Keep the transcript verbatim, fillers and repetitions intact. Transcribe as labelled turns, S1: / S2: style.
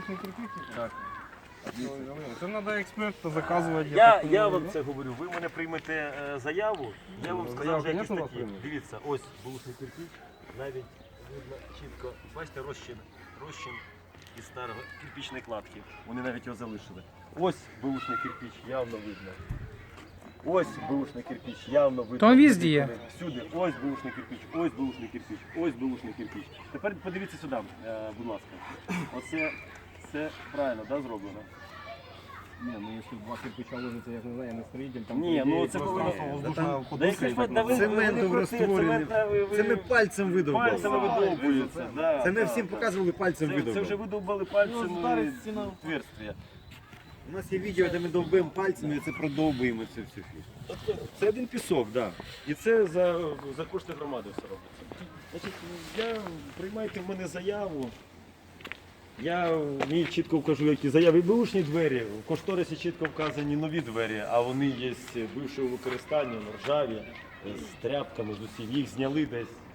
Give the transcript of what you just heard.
S1: бушний кирпич?
S2: Так.
S1: Це треба експерта заказувати.
S2: Я, я вам це говорю, ви мене приймете е, заяву, я вам
S1: Ну,
S2: сказав,
S1: заяву,
S2: вже якісь
S1: конечно, вас
S2: такі.
S1: приймуть.
S2: Дивіться, ось бушний кирпич, навіть видно чітко, бачите, розчин, розчин із старого кирпічної кладки, вони навіть його залишили. Ось бушний кирпич, явно видно. Ось бушний кирпич, явно видно.
S3: То він везде є.
S2: Всюди, ось бушний кирпич, ось бушний кирпич, ось бушний кирпич. Тепер подивіться сюди, е, будь ласка. Оце, це правильно, да, зроблено?
S1: Ні, ну якщо два кирпича ложиться, я ж не знаю, я не строїтель, там...
S2: Ні,
S1: по ідеї,
S2: ну це
S1: просто
S2: повинно-
S1: воздушна
S2: Да
S1: подушка
S2: якщо
S1: і
S2: ж
S1: так
S2: ви- да ви-
S1: нормально.
S2: ви не
S4: Цементом
S2: крути,
S4: розтворений.
S2: цемент, ви- ви-
S4: Це ми пальцем видовбали.
S2: Пальцем видовбується, да.
S4: Це ми
S2: да,
S4: всім
S2: да.
S4: показували, пальцем
S2: Це, це
S4: видовбали.
S2: вже видовбали пальцем отверстия.
S4: У нас є відео, де ми довбимо пальцем і це продовбуємо це все.
S2: Це один пісок, так. Да. І це за, за кошти громади все робиться. Значить, я приймайте в мене заяву. Я мені чітко вкажу, які заяви. Бушні двері, в кошторисі чітко вказані нові двері, а вони є бившого використання, ржаві, з тряпками, з усім. Їх зняли десь,